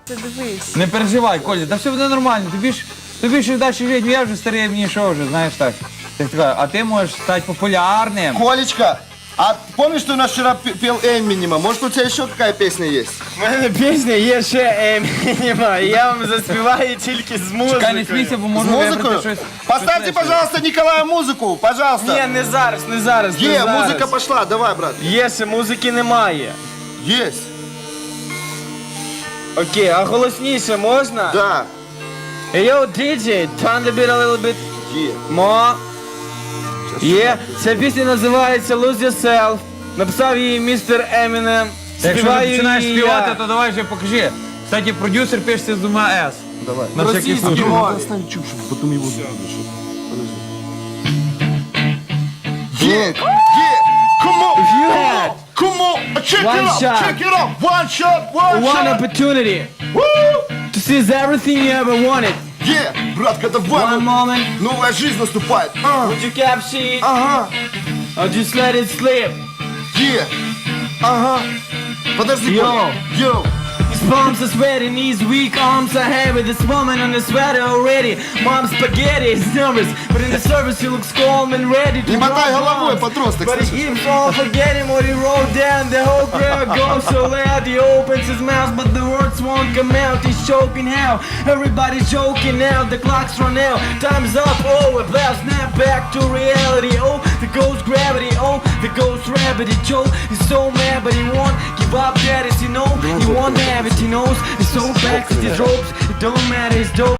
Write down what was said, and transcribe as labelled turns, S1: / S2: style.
S1: Ти дивись.
S2: Не переживай, Коля, та все буде нормально. Тобі ж далі жити, я вже старий, мені що вже, знаєш так. А ти можеш стати популярним.
S3: Колечка, а помнишь, что у нас вчера пел Эминема? Может, у тебя еще какая песня есть?
S4: У мене пісня є ще Емініма, і я вам заспіваю тільки з музикою.
S2: Чекай, не смійся, бо
S3: С
S2: можу вибрати
S3: музыкой?
S2: щось.
S3: Поставьте, пожалуйста, Николаю музыку, пожалуйста.
S4: Ні, не зараз, не зараз. не зараз.
S3: Музыка пошла, давай, брат.
S4: Є, ще музики немає.
S3: Есть.
S4: Окей, а голосніше можна?
S3: Да.
S4: Hey, yo, DJ, turn the beat a little bit more. Є, ця пісня називається Lose Yourself. Написав її містер Емінем.
S2: Якщо ти
S4: Співаю
S2: починаєш
S4: її
S2: співати,
S4: я.
S2: то давай вже покажи. Кстати, продюсер пишеться з двома «С».
S3: Давай.
S2: На всякий
S4: Російській
S2: случай.
S4: мові.
S3: Оставь чушь, потом его Yeah, come on,
S4: you had
S3: come on, check
S4: one
S3: it out,
S4: shot.
S3: check it out, one shot, one
S4: One
S3: shot.
S4: opportunity
S3: Woo!
S4: to seize everything you ever wanted.
S3: Yeah, братка, давай,
S4: One moment,
S3: новая жизнь наступает.
S4: would you capture it
S3: Ага,
S4: or just let it slip?
S3: yeah, ага. Подожди,
S4: Йоу.
S3: Коля. Йоу.
S4: His palms are sweating, his weak arms are heavy. This woman on the sweater already. Mom's spaghetti is nervous, but in the service he looks calm and ready to
S3: Не мотай
S4: rock
S3: головой,
S4: bombs.
S3: подросток,
S4: But he
S3: слышишь?
S4: keeps on forgetting what he wrote down. The whole crowd goes so loud. He opens his mouth, but the words won't come out. He's choking how? Everybody's joking now. The clock's run out. Time's up. Oh, a blast. Snap back to reality. Oh, the ghost gravity. Oh, the ghost rabbit. Joe is so mad, but he won't give up. That is, you know, he won't have it. He knows he's so back to his ropes. It don't matter. He's dope.